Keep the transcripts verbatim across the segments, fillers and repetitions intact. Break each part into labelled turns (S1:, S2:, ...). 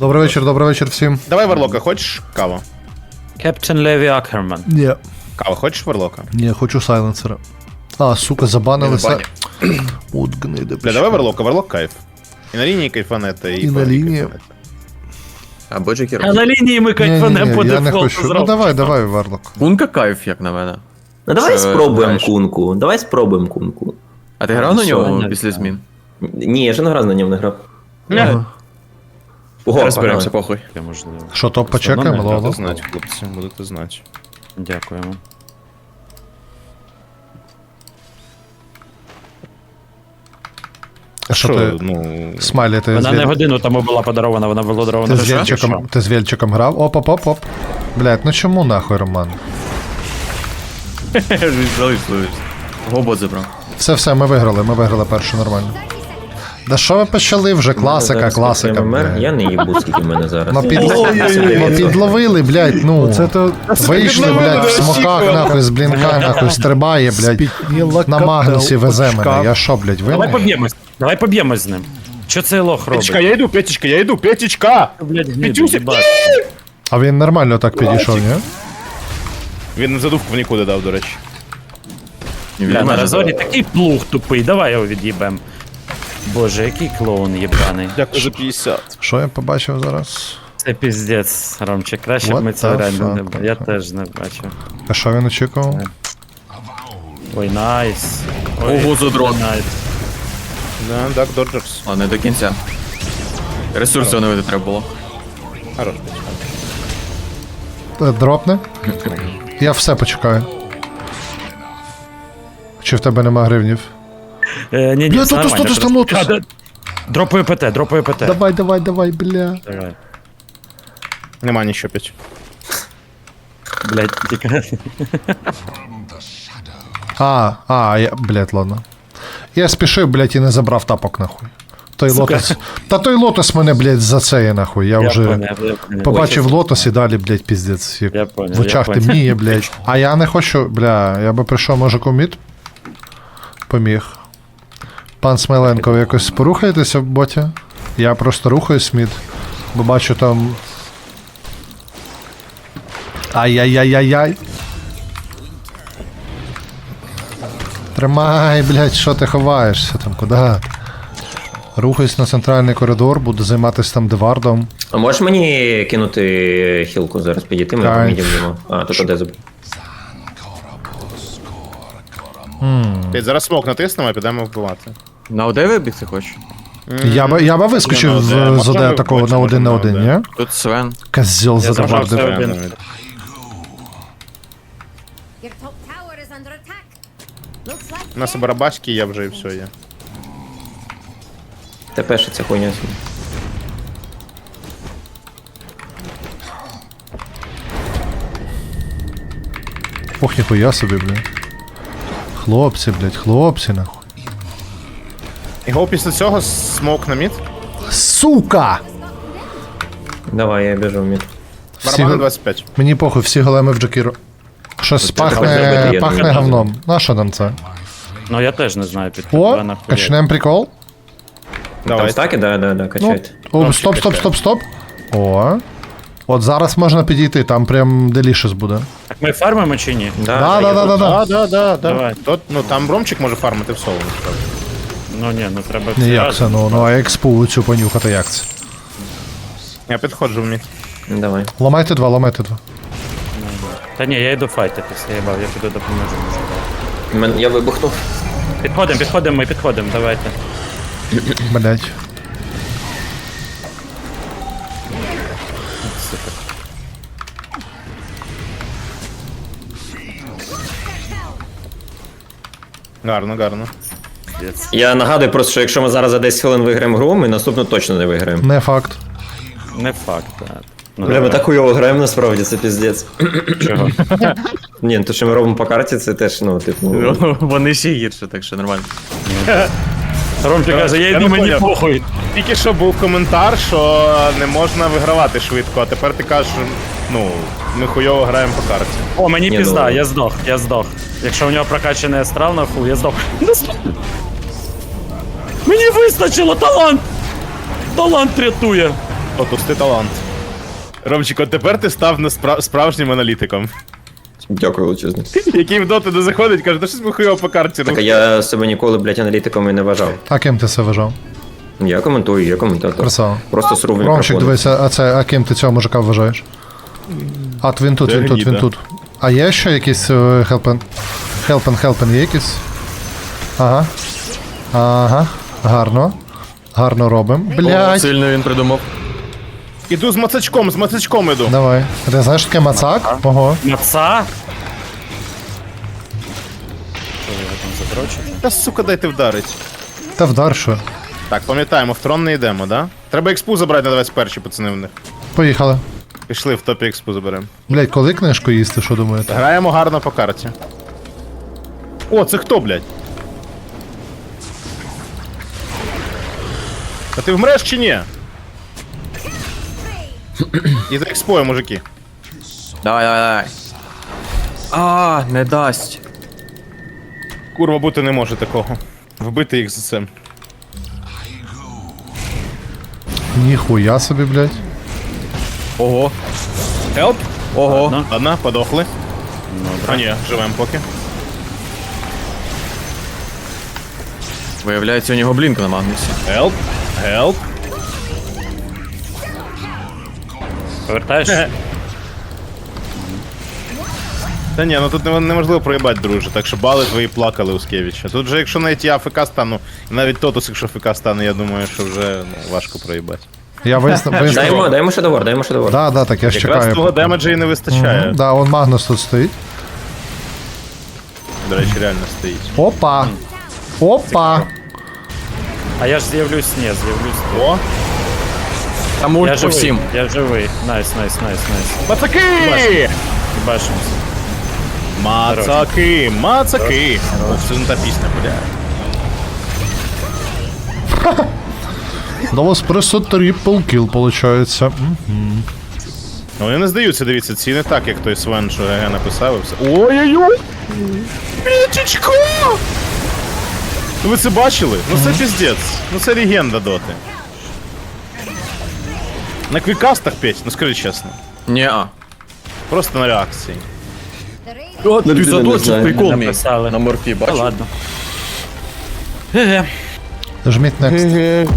S1: Добрий вечір, добрий вечір всім.
S2: Давай Варлока, хочеш каву?
S3: Кептен Леві Акерман.
S1: Ні.
S2: Кава, хочеш Варлока?
S1: Ні, хочу сайленсера. А, сука, забанилися. От гниди.
S2: Бля, давай Варлока, Варлок кайф. І на лінії кайфанета, і,
S1: І на лінії.
S4: Або Джекер.
S3: А на лінії ми
S1: Ні, ні,
S3: кайфанем по
S1: ні, я не
S3: дефолту
S1: хочу. Ну
S3: зробимо.
S1: давай, давай, Варлок.
S4: Кунка кайф, як на мене.
S5: Ну давай
S4: Що,
S5: спробуємо
S4: граєш?
S5: кунку. Давай спробуємо кунку.
S4: А ти грав на нього
S3: Соня,
S4: після
S3: так.
S4: змін?
S5: Ні, я ж не грав на ньому не грав.
S1: Ага.
S5: Ого,
S4: Розберемося,
S5: погнали.
S4: похуй.
S3: Можливо.
S1: Що, топ
S3: Все одно
S1: почекаємо,
S3: не
S1: Лоло?
S2: Будете знати, хлопці, будете знати.
S3: Дякуємо.
S1: А що ти,
S2: ну...
S1: Смайлі, ти з
S3: Вона не
S1: Вєл-
S3: годину тому була подарована, вона була дарована.
S1: ти з
S3: вже
S1: Вєльчиком,
S3: що?
S1: ти з Вєльчиком грав? Оп, оп, оп, оп. Блядь, ну чому нахуй, Роман?
S4: Залиш, залиш. Гобот забрав.
S1: Все, все, ми виграли, ми виграли першу нормально. Да що ви почали вже? Класика,
S5: Зараз
S1: класика,
S5: відкриємо мер.
S1: блядь.
S5: Я не їбу, скільки в мене зараз.
S1: Ну, під...
S5: Ой-ой-ой.
S1: ну підловили, блядь, ну. Це то... Вийшли, блядь, в смоках, нахуй, з блінка, нахуй, стрибає, блядь. На Магнусі везе мене. Я що, блядь,
S3: Давай
S1: винен?
S3: поб'ємось. Давай поб'ємось з ним. Що цей лох робить?
S2: Петечка, я йду, Петечка, я йду, Петечка!
S3: Блядь, гниди,
S2: Петюся,
S3: їбать.
S1: А він нормально так підійшов, ні?
S2: Він задувку в нікуди дав, до речі.
S3: Бля, на Разорі такий плуг тупий, давай його від'їбем. Боже, який клоун єбаний.
S2: Дякую за п'ятдесят.
S1: Що я побачив зараз?
S3: Це піздець, Ромчик, краще б
S1: What
S3: ми
S1: the
S3: це реально не
S1: fuck?
S3: бачили. Я теж не бачив.
S1: А що він очікував?
S3: Ой, найс. Ой,
S4: Ого, задрот.
S3: найс.
S2: Да, Дак Доджерс.
S4: Ладно, не до кінця. Ресурси оновити треба було.
S2: Хорош, Петечка.
S1: Е, Дропне? Я все почекаю. Чи в тебе нема гривнів?
S3: Е, ні, ні,
S1: Бля,
S3: все
S1: тут
S3: нормально,
S1: тут
S3: просто-
S1: лотус.
S3: А, да- Дропаю ПТ, дропаю ПТ.
S1: Давай, давай, давай, бля.
S3: Давай.
S2: Нема нічого, Петь.
S3: Блядь, тільки...
S1: А, а, я, блядь, ладно. Я спішив, блядь, і не забрав тапок, нахуй. Той
S3: Сука.
S1: лотос. Та той лотос мене, блядь, за це є, нахуй. Я,
S3: Я
S1: вже
S3: поняв, я поняв.
S1: побачив лотос і далі, блядь, піздець. Як
S3: Я поняв,
S1: в очах
S3: я поняв.
S1: темніє, блядь. А я не хочу, бля, я би прийшов, може, коміт? Поміг. Пан Смайленко, ви якось порухаєтеся в боті? Я просто рухаюсь мід, бо бачу там. Ай-яй-яй-яй-яй. Тримай, блядь, що ти ховаєшся там, куди? Рухаюсь на центральний коридор, буду займатися там девардом.
S5: А можеш мені кинути хілку зараз підійти? Ми
S1: Так.
S5: по міді будемо. А, тут оде забув.
S2: Петь, зараз смок натиснемо, а підемо вбивати.
S4: На ОД вибігти хочеш?
S1: Я би, я би вискочив
S2: Ну,
S1: з,
S2: на один.
S1: з ОД
S2: Можна
S1: такого
S2: ви-
S1: на один на
S2: можна
S1: один,
S2: на
S1: ні?
S4: Тут Свен.
S1: Козьол
S3: Я забрав
S1: задавардив.
S3: все один.
S6: Your top tower is under attack. Looks like
S2: У нас і барабашки, я вже і все є.
S5: Тепер ще ця хуйня.
S1: Ох, ніхуя собі, блядь. Хлопці, блядь, хлопці, нахуй.
S2: Його після цього смок на мід.
S1: Сука!
S5: Давай, я біжу в мід.
S1: Всі,
S2: Барабан
S1: го-
S2: двадцять п'ять.
S1: мені похуй, всі големи в Джакіру. Щось
S5: давай
S1: пахне,
S5: зробити, я
S1: пахне
S5: не знаю.
S1: говном. На що нам це?
S3: Ну я теж не знаю, під
S1: О,
S3: тебе нахуя.
S1: качнем прикол.
S5: Там
S2: Давай.
S5: стаки? Да, да, да,
S1: Ну,
S5: качайте.
S1: о, стоп, стоп, стоп, стоп. О. От зараз можна підійти, там прям делішес буде.
S3: Так ми фармимо чи ні?
S1: Да, да,
S5: я
S1: да, да,
S5: тут.
S1: да.
S2: Да, да, да, да.
S3: Давай.
S2: Тот, ну там Ромчик може фармити в соло. насправді.
S3: Ну ні, ну треба
S1: Ні,
S3: всі
S1: як
S3: разом.
S1: це, ну, ну а експу цю понюхати, як це?
S2: Я підходжу в мід.
S5: Давай.
S1: Ламайте два, ламайте два.
S3: Та ні, я йду файтитися, я бав, я піду допоможу. може.
S5: Мен- Я вибухнув.
S3: Підходимо, підходимо, ми підходимо, давайте.
S1: Блять.
S2: Гарно, гарно.
S5: Я нагадую просто, що якщо ми зараз за десять хвилин виграємо гру, ми наступну точно не виграємо.
S1: Не факт.
S3: Не факт, так. Ну,
S5: Бля, ми
S3: давай.
S5: так хуйово граємо насправді, це піздець.
S3: Чого?
S5: Ні, ну то, що ми робимо по карті, це теж, ну, типу.
S4: Ну, вони ще гірше, так що нормально.
S3: Ромчик каже, я
S2: Я
S3: йду,
S2: не
S3: мені
S2: поняв.
S3: похуй.
S2: Тільки що був коментар, що не можна вигравати швидко, а тепер ти кажеш, ну, ми хуйово граємо по карті.
S3: О, мені
S5: Ні,
S3: пізда,
S5: ну-
S3: я здох, я здох. Якщо у нього прокачаний астрал на фул, я здох. Не здох. Мені вистачило, талант! Талант рятує.
S2: Отус ти талант. Ромчик, от тепер ти став на спра- справжнім аналітиком.
S5: Дякую величезно.
S2: Який в доту не заходить, каже, та щось ми хуйово по карті.
S5: Так а я себе ніколи, блядь, аналітиком і не вважав.
S1: А ким ти це вважав?
S5: Я коментую, я коментатор.
S1: Красава.
S5: Просто сру в
S1: Ромчик,
S5: мікрофон.
S1: дивися, а це, а ким ти цього мужика вважаєш? А, то він тут, він тут, він
S2: Леоніда.
S1: тут. А є ще якісь е, хелпен? Хелпен, хелпен є якісь? Ага. Ага. Гарно. Гарно робимо.
S4: О,
S1: Блядь.
S4: сильно він придумав.
S2: Іду з мацачком, з мацачком іду.
S1: Давай. Ти знаєш таке мацак? Ого.
S3: Маца? Що його там задрочити?
S2: Та сука, дайте вдарить.
S1: Та вдар що.
S2: Так, пам'ятаємо, в трон не йдемо, да? Треба експу забрати на двадцять перші, пацани в них.
S1: Поїхали.
S2: Пішли в топі експу заберемо.
S1: Блядь, коли книжку їсти, що думаєте?
S2: Граємо гарно по карті. О, це хто, блядь? А ти вмреш чи ні? І за експою, мужики.
S4: Давай, давай, давай. А, не дасть.
S2: Курва, бути не може такого. Вбити їх за це.
S1: Ніхуя собі, блядь.
S4: Ого.
S2: Хелп?
S4: Ого.
S2: Ладно, подохли. А ні, живем поки.
S4: Виявляється, у нього блінк на Магнусі.
S2: Хелп, хелп.
S3: Повертаєш?
S2: Та ні, ну тут не- неможливо проїбати, друже, так що бали твої плакали у Скевіча. Тут же, якщо навіть я АФК стану, і навіть Тотус, якщо АФК стане, я думаю, що вже ну, важко проїбати.
S1: Я вияснив.
S5: Дай
S1: вияснив.
S5: йому, дай йому шедевр, дай йому шедевр.
S1: Да, да, так я ж
S2: Якраз
S1: чекаю.
S2: того демеджа і не вистачає.
S1: Мгм. Да, он Магнус тут стоїть.
S2: До речі, реально стоїть.
S1: Опа! Опа!
S3: А я ж з'явлюсь, ні, з'явлюсь.
S2: О,
S4: Там
S3: Я
S4: ульт по
S3: живий,
S4: всім.
S3: я живий. Найс, найс, найс, найс.
S2: мацаки!
S3: Бачимося.
S2: Мацаки, мацаки! О, це не та пісня, бля.
S1: До вас просто трипл кіл, получається. М.
S2: Ну вони не здаються, дивіться, ці не так, як той Свен, що ГГ написав і все. Ой-ой-ой! Пічечко! Ну ви це бачили? Ну це піздець. Ну це легенда доти. На квікастах петь, ну скажи чесно.
S4: Ні-а.
S2: Просто на реакції.
S6: The radiant
S4: О, ти заточив прикол мій.
S3: Написали.
S4: На морфі,
S3: Та
S4: бачиш?
S3: ладно. Ге-ге.
S1: Жміть next.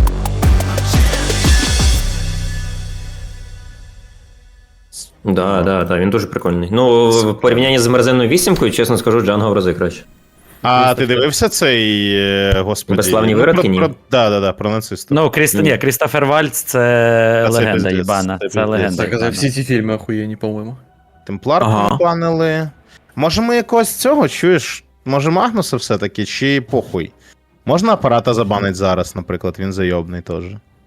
S5: Да, да, да, він дуже прикольний. Ну, в порівнянні з мерзенною вісімкою, чесно скажу, Джанго в рази краще.
S2: А ти дивився цей, е, господи?
S5: Безславні
S2: ну,
S5: виродки,
S2: про-
S5: ні?
S2: про- Да, да, да, про нациста.
S3: Ну, Кріст... Ні, Крістофер Вальц це
S2: Та це
S3: легенда
S2: пиздець,
S3: їбана.
S2: це
S3: Це
S2: пиздець.
S3: легенда
S4: Так, а
S3: їбана.
S4: всі ці фільми охуєнні, по-моєму.
S2: Темплар
S4: Ага.
S2: побанили. Може ми якогось цього, чуєш? Може Магнуса все-таки, чи похуй? Можна апарата забанить зараз, наприклад, він зайобний теж.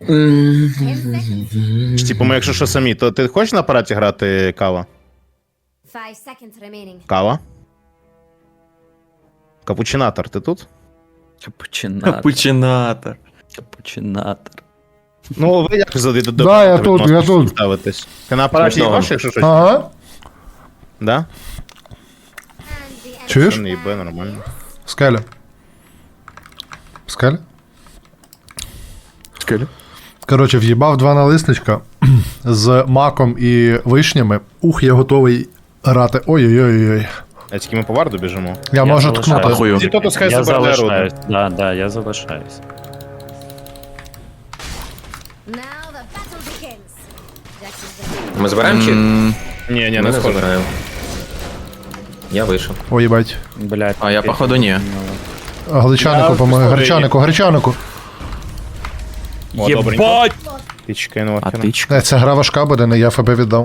S2: Чи, типу, ми якщо що самі, то ти хочеш на апараті грати кава?
S6: five seconds remaining.
S2: Кава? Капучинатор, ти тут?
S3: Капучинатор.
S4: Капучинатор.
S3: Капучинатор.
S2: Ну, ви як за до
S1: Да, я тут, я тут.
S2: ставитесь? Ти на апараті
S5: Смішного.
S2: їбаш, якщо щось?
S1: Ага.
S2: Да?
S6: And the enemy.
S1: Чуєш?
S2: Не їбе, нормально.
S1: Скеля. Скеля?
S4: Скелі.
S1: Коротше, в'їбав два налисничка з маком і вишнями. Ух, я готовий грати. Ой-ой-ой.
S2: А тільки ми по варду біжимо.
S1: Я можу
S3: залишаюсь.
S1: ткнути.
S4: Ахую.
S2: Ті то хай
S3: Я
S2: забере руду.
S3: залишаюсь. Да, да, я залишаюсь.
S6: Now the battle begins. Jax is the
S5: Ми забираємо чи?
S4: М,
S2: Ні, ні,
S5: Ми
S2: не
S5: не
S2: схоже.
S5: забираємо. Я вийшов.
S1: Ой, їбать.
S3: Блядь.
S4: А я, походу, ні.
S1: Гличанику
S2: Я
S1: помоги.
S2: в
S1: Гречанику, гречанику.
S2: О, добренько.
S3: Єбать!
S2: Ти чекай на
S4: А
S2: вакера.
S4: ти ч-
S1: Не, це гра важка буде, не я ФБ віддав.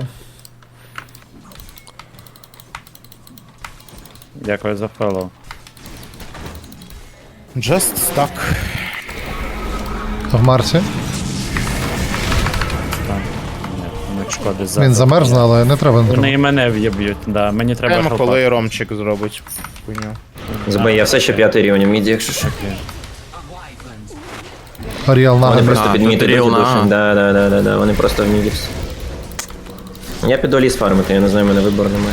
S3: Дякую за фоллоу.
S2: Just stuck.
S1: В Марсі.
S3: Ні, не шкоди за.
S1: Він замерзне, але не треба. Не
S3: Вони
S1: треба.
S3: і мене в'єб'ють, да. Мені треба
S2: Прямо
S3: хелпа.
S2: коли Ромчик зробить. Хуйню.
S5: Забей, я все ще п'ятий рівень в міді, якщо що.
S1: Аріал
S5: Вони
S1: нагадує.
S5: просто
S4: А,
S5: під
S4: тут
S5: міді
S4: Ріл,
S5: душі.
S4: на.
S5: Да, да, да, да, да, вони просто в міді всі. Я піду ліс фармити, я не знаю, в мене вибору немає.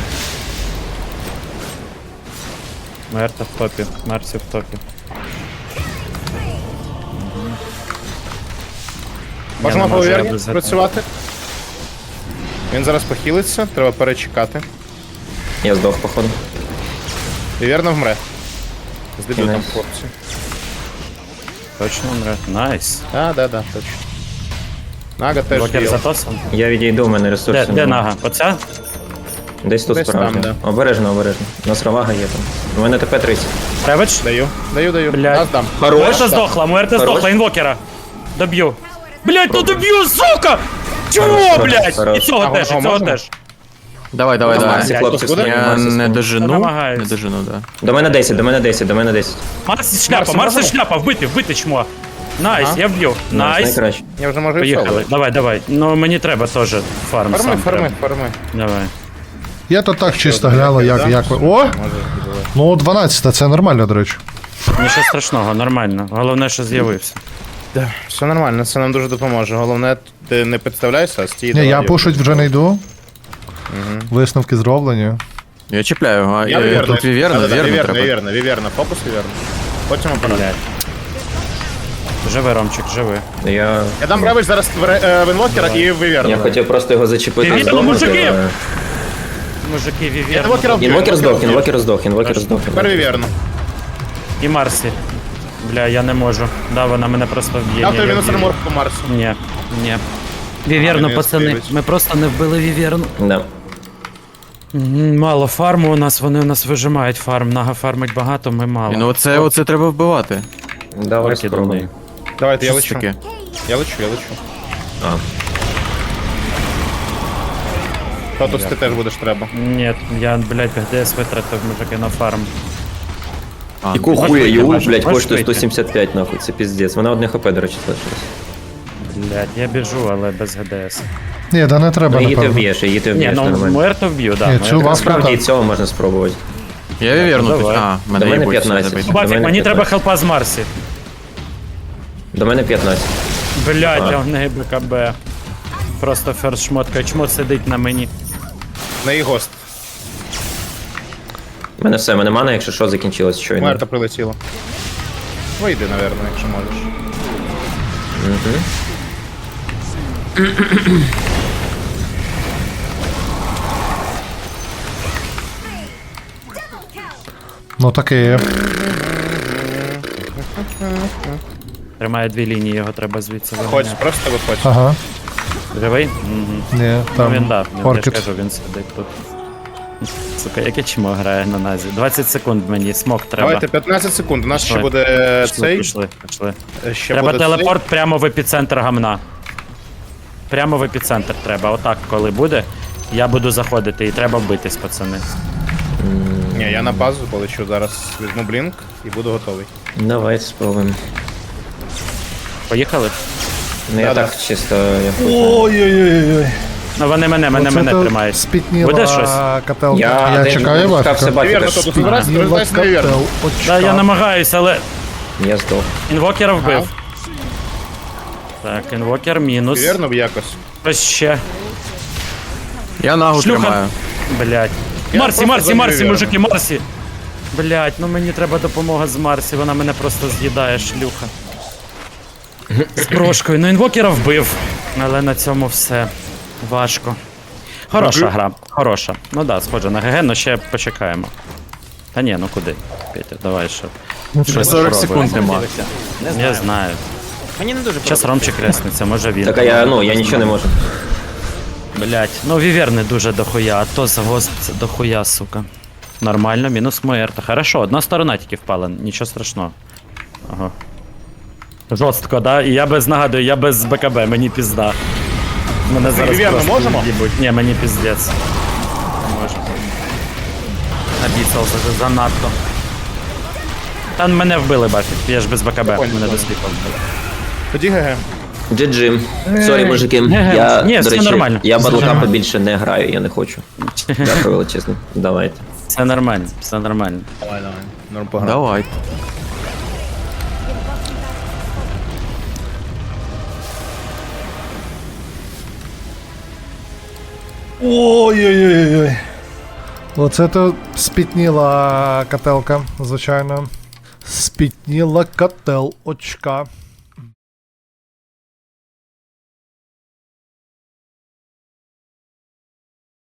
S3: Мерта в топі. Мерсі в топі.
S2: Можемо
S3: не
S2: по
S3: можу, я
S2: Віверні
S3: без
S2: працювати. Він зараз похилиться, треба перечекати.
S5: Я здох, походу.
S2: Віверна вмре. З дебютом,
S5: Кінець.
S2: хлопці.
S3: Точно умре. Найс.
S2: А, да, да, точно. Нага теж
S3: Блокер
S2: діяв.
S3: затосом.
S5: Я відійду, у мене
S3: Де,
S5: ресурсів.
S3: де
S5: немає.
S3: нага? Оця?
S5: Десь тут
S2: Десь
S5: справді.
S2: там,
S5: Обережно, обережно. У нас ровага є там. У мене ТП тридцять.
S3: Ревич?
S2: Даю, даю, даю.
S3: Блядь.
S2: Нас дам.
S3: Муерта здохла, Муерта
S5: Хорош.
S3: здохла, інвокера. Доб'ю. Блять, ну доб'ю, сука! Чого,
S5: Хорош,
S3: блять?
S5: хорош.
S3: І цього
S2: А,
S3: теж, і
S2: а
S3: цього
S2: можемо?
S3: теж.
S4: Давай, давай, давай.
S5: Марсі, хлопці,
S2: буде?
S5: скинь,
S4: Я
S5: Марсі,
S4: не
S5: скинь.
S3: Я
S4: дожену.
S3: намагаюсь.
S4: Не дожену, да.
S5: До мене десять, до мене десять, до мене десять.
S3: Марсі шляпа,
S2: Марсі,
S3: Марсі
S2: можемо?
S3: шляпа, вбити, вбити чмо. Найс,
S2: Ага.
S3: я вб'ю. Найс.
S5: Найкраще.
S2: Я вже можу і
S3: Поїхали.
S2: соло.
S3: Давай, давай. Ну мені треба теж фарм
S2: Фарми,
S3: сам.
S2: фарми,
S3: треба.
S2: фарми.
S3: Давай.
S1: Я то так чисто гляну, як,
S2: да?
S1: як ви. О!
S2: Може,
S1: Ну, дванадцять, це нормально, до речі.
S3: Нічого страшного, нормально. Головне, що з'явився.
S2: да. Все нормально, це нам дуже допоможе. Головне, ти не підставляйся, а стій.
S1: Ні,
S2: давай,
S1: я
S2: його.
S1: пушить вже не йду. Висновки зроблені.
S4: Я чіпляю, а
S2: Я
S4: е,
S2: віверна.
S4: тут віверна,
S2: Да-да-да,
S4: віверна
S2: віверна,
S4: треба.
S2: віверна, віверна, фокус віверна. Потім апарат.
S3: Блядь. Живи, Ромчик, живи.
S5: Я,
S2: Я дам ревич зараз в, ре- е, в інвокера і в віверну.
S5: я хотів просто його зачепити.
S3: Ти
S5: здохнути,
S3: мужики!
S5: але-
S3: Мужики,
S2: Інвокера
S3: Вівер.
S2: вб'ю,
S5: Інвокер здох,
S2: вб'ю.
S5: інвокер здох, інвокер здох.
S2: Тепер віверну.
S3: І Марсі. Бля, я не можу. Да, вона мене просто вб'є.
S2: Я
S3: Ні,
S2: тобі
S3: я
S2: мінус
S3: вб'ю.
S2: армор по Марсу.
S3: Ні, ні.
S2: А,
S3: Віверну,
S2: він
S3: пацани,
S2: спілить.
S3: ми просто не вбили Віверну.
S5: Да.
S3: М, Мало фарму у нас, вони у нас вижимають фарм. Нага фармить багато, ми мало.
S4: Ну оце, оце треба вбивати.
S5: Давай
S3: Окей,
S5: спробуємо.
S3: думаю.
S2: Давайте, я
S4: Що це
S2: лечу.
S4: таке?
S2: Я лечу, я лечу.
S5: А.
S2: Тотус ти теж будеш треба.
S3: Ні, я, блядь, ГДС витратив, мужики, на фарм.
S4: А,
S5: Яку
S3: Можеш
S5: хуя
S3: вийти,
S5: ю,
S3: можеш-
S5: блядь,
S3: можеш
S5: коштує
S3: вийти.
S5: сто сімдесят п'ять, нахуй, це піздець. Вона одне хп, до речі, залишилась.
S3: Блядь, я біжу, але без ГДС.
S1: Ні, да не треба,
S5: Ну, її ти
S1: напевно.
S5: вб'єш, її ти
S3: Ні,
S5: вб'єш,
S3: ну
S5: нормально.
S3: Муерто вб'ю, да.
S1: Ні,
S3: Муерто.
S1: цю вафлю
S5: Насправді і
S1: так.
S5: цього можна спробувати.
S4: Я віверну
S3: Давай.
S4: тут. А,
S5: До
S4: мене
S5: мене
S4: їбуть, все,
S5: п'ятнадцять.
S4: забийте.
S5: До
S3: Бафік,
S5: мене
S3: мені треба
S5: п'ятнадцять.
S3: хелпа з Марсі.
S5: До мене п'ятнадцять.
S3: Блядь,
S5: А.
S3: а в неї БКБ. Просто ферст шмотка, чмо сидить на мені.
S2: На її гост.
S5: У мене все, мене мана, якщо що, закінчилось щойно.
S2: Мерта прилетіла. Вийди, напевно, якщо можеш.
S1: Ну таке.
S3: Тримає дві лінії, його треба звідси
S2: Ходь,
S3: виганяти.
S2: просто виходь.
S1: Ага.
S3: Живий? Мгм.
S1: Ні,
S3: Ну він
S1: там.
S3: да, він, я ж
S1: Оркід.
S3: кажу, він сидить тут. Сука, яке чмо грає на назі. двадцять секунд мені, смок треба.
S2: Давайте п'ятнадцять секунд. У нас ще
S3: Пішли.
S2: буде е,
S3: Пішли,
S2: цей.
S3: пішли, пішли.
S2: е, Ще
S3: Треба
S2: буде
S3: телепорт прямо в епіцентр гамна. Прямо в епіцентр треба. Отак, коли буде, я буду заходити і треба битись, пацани.
S2: Цей. Ні, я на базу полечу зараз. Візьму блінк і буду готовий.
S5: Давайте спробуємо.
S3: Поїхали?
S5: Ну я
S2: Да-да.
S5: так чисто, я хочу.
S1: Ой-ой-ой.
S3: Ну вони мене, мене, мене тримають.
S1: Спітніла
S3: Буде щось?
S1: каталка.
S5: Я,
S1: Я
S5: один
S1: чекаю вас.
S5: чекався
S2: Віверна,
S5: бачити.
S2: Тотус, збирайся, роздай на віверну.
S3: Да, я намагаюся, але
S5: Я здох.
S3: інвокера вбив. Так, інвокер мінус.
S2: Віверну б якось.
S3: Ось ще.
S4: Я нагу
S3: Шлюха.
S4: тримаю.
S3: Блять.
S2: Я
S3: Марсі,
S2: просто
S3: Марсі,
S2: за
S3: Марсі,
S2: Віверну.
S3: мужики, Марсі. Блять, ну мені треба допомога з Марсі, вона мене просто з'їдає, шлюха. З прошкою. Ну інвокера вбив. Але на цьому все. Важко. Хороша гра, хороша. Ну да, схоже на ГГ, но ще почекаємо. Та ні, ну куди? Петя, давай ще.
S4: Ще сорок секунд нема.
S3: Я знаю.
S7: Мені не дуже
S3: Зараз Ромчик ресниться, може він.
S5: Так а я, ну, я нічого не можу.
S3: Блять, ну віверни дуже дохуя, а то загост це дохуя, сука. Нормально, мінус Муерта. Хорошо, одна сторона тільки впала, нічого страшного. Ага. Жорстко, да? І я без нагадую, я без БКБ, мені пізда. Мене зараз
S2: Віверну
S3: просто
S2: можемо?
S3: їбуть. Ні, мені піздець. Не можу. Обіцяв за- занадто. Та мене вбили, бафік, я ж без БКБ, мене до сліпа вбили.
S2: Тоді ГГ.
S5: джі джі. Сорі, мужики.
S3: Ге-ге.
S5: Я,
S3: Ні,
S5: до
S3: все
S5: речі,
S3: нормально.
S5: я
S3: Все
S5: батлкапа
S3: нормально.
S5: більше не граю, я не хочу. Дякую величезно. Давайте.
S3: Все нормально, все нормально.
S2: Давай, давай. Норм пограв.
S4: Давай.
S1: Ой-ой-ой-ой. Оце то спітніла кателка, звичайно. Спітніла котел очка.